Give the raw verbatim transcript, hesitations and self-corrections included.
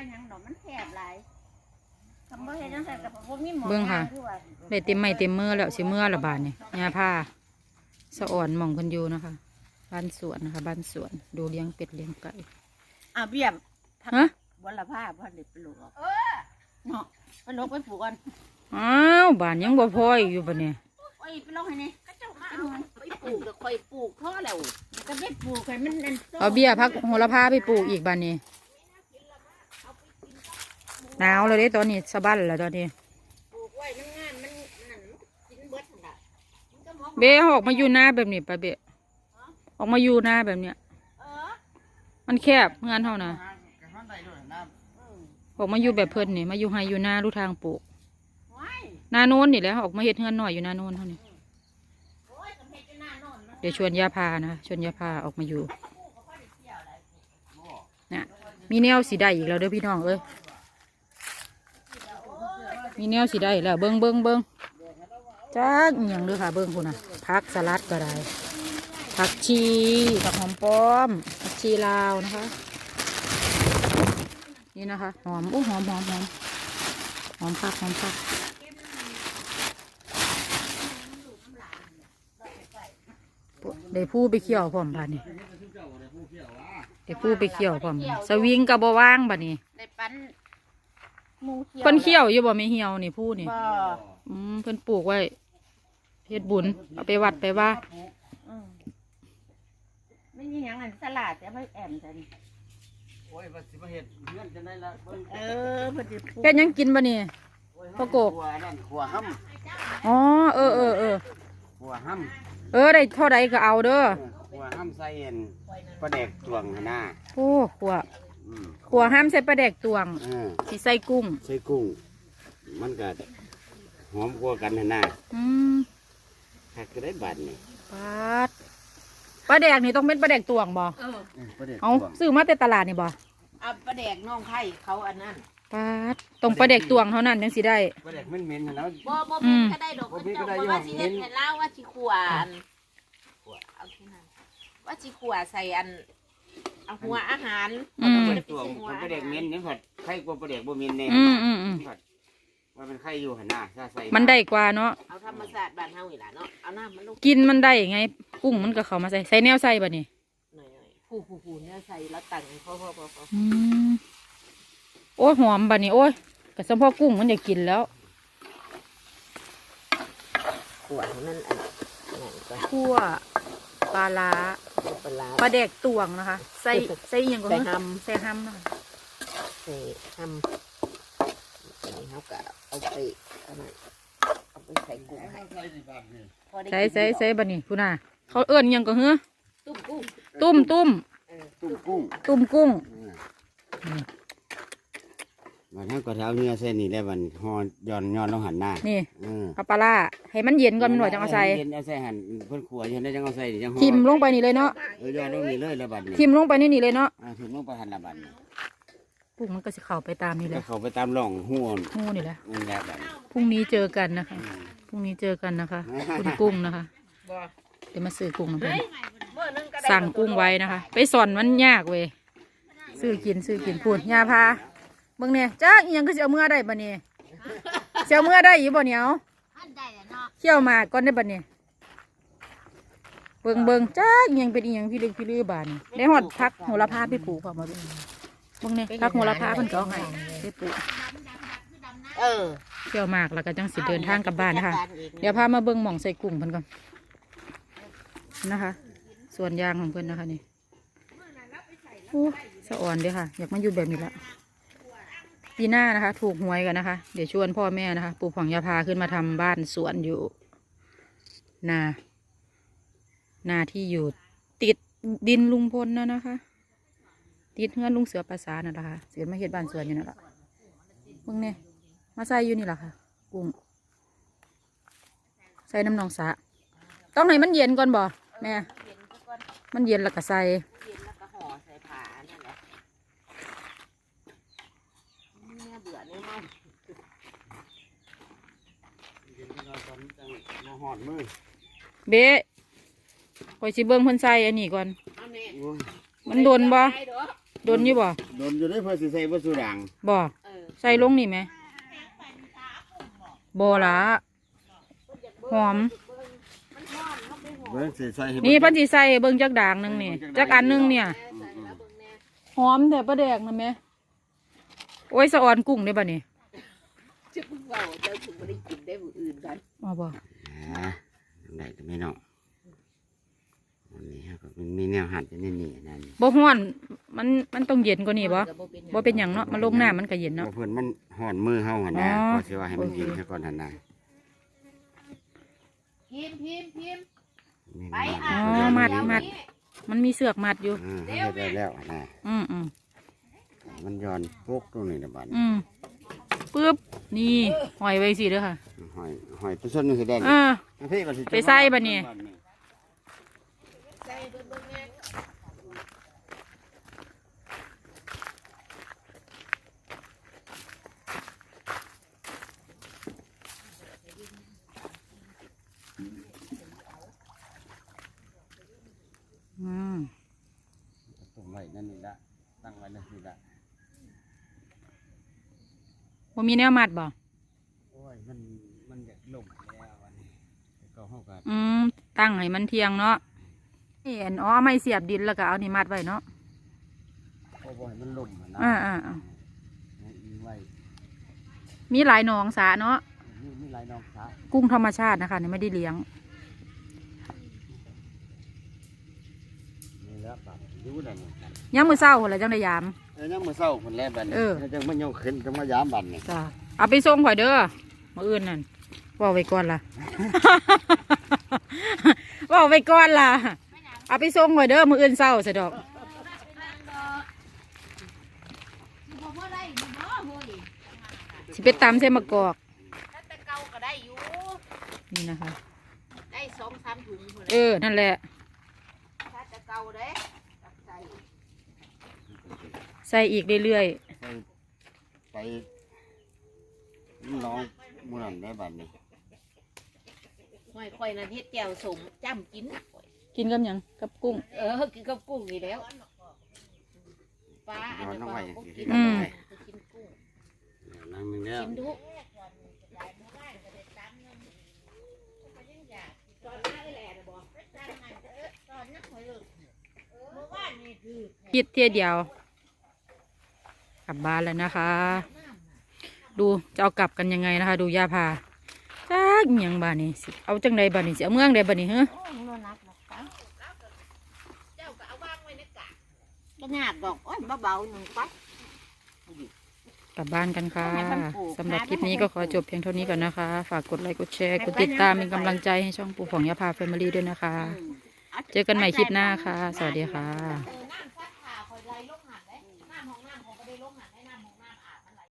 ยังดอกมันแคบหลายคำว่าเห็นจังซั่นกับบ่มีหมอเบิ่งค่ะได้เต็มไม้เต็มมือแล้วสิมือละบาทนี่ยาผ้าสะอ่อนหม่องคนอยู่นะคะบ้านสวนนะคะบ้านสวนดูเลี้ยงเป็ดเลี้ยงไก่อ่ะเบี้ยฮะวันละผ้าพ่อเด็กไปลูกเออเนาะไปลกไปปลูกกันอ้าวบ้านยังบ่พออยู่ปะเนี่ยโอ้ยไปลกให้นี่ก็เจ้ามาเอาไปปลูกก็ค่อยปลูกท่อแล้วก็ไปปลูกให้มันนั่นเอาเบี้ยพักโหระพาไปปลูกอีกบ้านนี้หนาวเลยเด้ตอนนี้สะบั้นแล้วตอนนี้เบะออกมาอยู่หน้าแบบนี้ปะเบะออกมาอยู่หน้าแบบเนี้ยมันแคบงานเท่านะออกมาอยู่แบบเพิ่นนี่มาอยู่ไฮอยู่หน้ารูทางปลูกหน้าโน้นนี่แหละออกมาเฮ็ดเงินหน่อยอยู่หน้าโน้นเท่านี้เดี๋ยวชวนยาพานะชวนยาพาออกมาอยู่เนี่ยมีแนวสีได้อีกแล้วเด้อพี่น้องเอ้ยมีแนวสีได้แล้วเบิ้งเบิ้งเบิ้งจ้าอย่างเด้อค่ะเบิ้งคุณนะผักสลัดก็ได้ผักชีผักหอมป้อมผักชีลาวนะคะนี่นะคะหอมโอ้หอมหอมหอมหอมผักหอมผักได้ผู้ไปเขี่ยวพร้อมบ้านนี่ได้ผู้ไปเขี่ยวพร้อมสวิงกับบว่างบ้านนี่ได้ปั้นหมูเขียวเพิ่นเขี่ยวอยู่บ่ไม่เหี่ยวนี่ผู้นี่บ่อืมเพิ่นปลูกไว้เฮ็ดบุญเอาไปวัดไปว่าไม่มีอย่างนั้นสลัดจะไม่แอมจันโอ้ยว่าสิมาเฮ็ดเงินจะได้ละเออเพิ่นสิปลูกเฮ็ดยังกินบ่นี่พ่อโกกขัวนั่นขัวห้ำอ๋อเออเออเออขัวห้ำเออได้เท่าใดก็เอาเด้อขัวห้ำใส่เอ็นปลาแดกตวงหน้าโอ้ขัวขัวห้ามใส่ปลาแดกตวงสิใส่กุ้งใส่กุ้งมันก็หอมกว่ากันหน้าอืมหักก็ได้บาทนี่ปลาปลาแดกนี่ต้องเป็นปลาแดกตวงบ่เออเอาซื้อมาแต่ตลาดนี่บ่เอาปลาแดกน้องไข่เขาอันนั้นปลาต้องปลาแดกตวงเท่านั้นยังสิได้ปลาแดกเหม็นๆแล้วบ่บ่มีก็ได้ดอกเจ้าว่าสิเฮ็ดให้ลาวว่าสิขวานเอาที่นั่นว่าสิขวใส่อันเอาหัวอาหารตัวปลาแดกเหม็นนี่ผัดไข่กว่าปลาแดกบ่เหม็นแน่ผัดว่าเป็นไข่อยู่หันหน้าใส่มันได้กว่าเนาะเอาธรรมศาสตร์บ้านเฮาอีหล่ะเนาะเอาน้ำมันลงกินมันได้ไงกุ้งมันก็เข้ามาใส่ใส่แนวใส่บ่นี่หน่อยๆผู้ๆๆเนี่ยใส่แล้วตั้งพอๆๆอืมโอ้ยหอมบ่นี่โอ้ยกระสมพ่อกุ้งมันอยากกินแล้วขั่วนั่นอันนั้นก็คั่วปลาล้าปลาปลาแดกตวงนะคะใส่ใส่อย่างก็ใส่ห้ำใส่ห้ำนะคะใส่ห้ำนี่เขาก็เอาไปเอาไปใส่กุ้งให้ใส่ใส่ใส่บันนี่คุณน่ะเขาเอื้อนยังก็เหือตุ้มกุ้งตุ้มตุ้มตุ้มกุ้งตุ้มกุ้งวันนั้นก็เท้าเนื้อเส้นนี่ได้วันหอย้อนย้อนลงหันหน้านี่เอาปลาล่าให้มันเย็นก่อนมันหน่อยจังเอาใส่เย็นเอาใส่หั่นเพิ่นขัวยันได้จังเอาใส่จังทิมลงไปนี่เลยเนาะเออย้อนลงนี่เลยละบัดนี่ทิมลงไปนี่นี่เลยเนาะอ่าทิมลงไปหันละบัดนี่ปุ๊กมันก็สิเข้าไปตามนี่แหละเข้าไปตามร่องหูหูนี่แหละนี่แหละบัดพรุ่งนี้เจอกันนะคะพรุ่งนี้เจอกันนะคะคุณกุ้งนะคะเดี๋ยวมาซื้อกุ้งเพื่อนสั่งกุ้งไว้นะคะไปสอนมันยากเว้ยซื้อกินซื้อกินพูดยาพาเบิ่งเนี่ยจ้าอีหยังก็สิเอาเมื่อได้บ่เนี่ยเสียเมื่อได้อยู่บ่เนี่ยเอาเขี่ยวมาก่อนได้บ่เนี่ยเบิ่งเบิ่งจ้าอีหยังเป็นอีหยังพี่ลึกพี่ลือบานได้หอดพักโหระพาไปปลูกพอมาดูเบิ่งเนี่ยพักโหระพาเพิ่นก็เอาให้ไปปลูกเออเขี่ยวมากแล้วก็จังสิเดินทางกลับบ้านนะคะเดี๋ยวพามาเบิ่งหม่องใส่กุ้งเพิ่นก่อนนะคะส่วนยางของเพิ่นนะคะนี่โอ้สะอ่อนเด้อค่ะอยากมาอยู่แบบนี้ละปีหน้านะคะถูกหวยกันนะคะเดี๋ยวชวนพ่อแม่นะคะปลูกผังยาพาขึ้นมาทำบ้านสวนอยู่นานาที่อยู่ติดดินลุงพลนะนะคะติดเฮือนลุงเสือภาษานั่นแหละค่ะเสือมาเฮ็ดบ้านสวนอยู่นั่นแหละเบิ่งเนี่ยมาใส่อยู่นี่แหละค่ะกุ้งใส่น้ำนองสะต้องให้มันเย็นก่อนบ่แม่มันเย็นแล้วก็ใส่เบ๊คอยสิเบิ้งเพิ่นใส่อันนี้ก่อนมันโดนบ่โดนอยู่บ่โดดนอยู่ได้เพื่อสิใส่บ่สุด่างบ่เออใส่ลงนี่ไหมบ่ละหอมมันหอมเขาไปหอมเบิ่งสิใส่ให้นี่เพันสิใส่เบิ่งจักด่างหนึงนี่จักอันหนึงเนี่ยแม่ใส่แล้วเบิ่งแน่หอมแต่ปลาแดกนะแม่โอ้ยสะออนกุ้งได้ป่ะนี่จะเพิ่งเว้าเจ้าถึงบ่ได้กินได้มื้ออื่นกันอ๋อบ่อ่าได้ก็ไม่เนาะอันนี้ฮะก็มันมีแนวหัดอยู่นี่นี่นั่นบ่ฮ้อนมันมันต้องเย็นกว่านี้บ่ก็เป็นหยังบ่เป็นหยังเนาะมันลงน้ำมันก็เย็นเนาะเนาะเพิ่นมันห่อนมือเฮาหั่นนะอ๋อก็สิว่าให้มันเย็นซะก่อนหั่นนะพิมพ์พิมพ์พิมพ์นี่ไปนะอ่ะอ๋อมัดมัด มันมีเสือกมัดอยู่อ่าให้ได้แล้วนะอืมอืมมันย้อนปุ๊กตรงนี้นะบัดอืมปึ๊บนี่หอยไว้สิเด้อค่ะหอยหอยตัวส้นนี่สิได้อ่าพี่ก็สิไปใส่บัดนี้ใส่เบิ่งเบิ่งแน่อืมตุ่มไว้นั่นนี่ละตั้งไว้นั่นนี่ละบ่มีแนวมัดบ่โอ้ยมันมันอยากล่มแล้วอันนี้ก็เฮาก็อืมตั้งให้มันเทียงเนาะนี่อันอ๋อไม่เสียบดินแล้วก็เอานี่มัดไว้เนาะโอ้บ่ให้มันล่มอะนะอ่าอ่าอ่าให้อิงไว้มีหลายหนองสาเนาะมีมีหลายน้องสากุ้งธรรมชาตินะคะนี่ไม่ได้เลี้ยงนี่แหละบัดอยู่นั่นนี่ยังมือเศร้าอะไรจังได้ยามเอ้ยยังมื้อเช้าเพิ่นแลบัดนี้เออจังมายกขึ้นจังมายามบัดนี่จ้าเอาไปส่งข่อยเด้อมาอื่นนั่นว่าไว้ก่อนล่ะ ว่าไว้ก่อนล่ะเอาไปส่งข่อยเด้อมืออื่นเศร้าสะดอกสิบ่บ่ได้อยู่บ่เฮ้ยสิไปตำใส่มะกอกถ้าแต่เก่าก็ได้อยู่นี่นะคะได้สองสามถุงพุ่นเออนั่นแหละถ้าแต่เก่าเด้ตักใส่ใส่อีกเรื่อยไปไปน้องมื้อนั้นได้บัดนี้ห้อยข่อยน่ะเฮ็ดแจ่วสมจ้ำกินๆกินกับหยังกับกุ้งเออกินกับกุ้งนี่แล้วปลาอันนี้ก็ก็กินอืมกินกุ้งนั่งนึงแล้วกินดุคิดเที่ยเดียวกลับบ้านแล้วนะคะ ดูจะเอากลับกันยังไงนะคะ ดูย่าพาจ้าเมียงบ้านนี้สิเอาจังใดบ้านนี้สิเอาเมืองใดบ้านนี้เฮ้อโอ้ยโลนักหรอกปะเจ้าก็เอาวางไว้ในกะก็ยากดอกโอ้ยเบาๆหนึ่งปัดกลับบ้านกันค่ะให้มันปลูกสำหรับคลิปนี้ก็ขอจบเพียงเท่านี้ก่อนนะคะ ฝากกดไลค์กดแชร์กดติดตามเป็นกำลังใจให้ช่องปู่ของย่าพาแฟมิลี่ด้วยนะคะ เจอกันใหม่คลิปหน้าค่ะ สวัสดีค่ะเออน้ำซักผ้าคอยไล่ลงหันเลยน้ำของน้ำของก็ได้ลงหันได้น้ำของน้ำ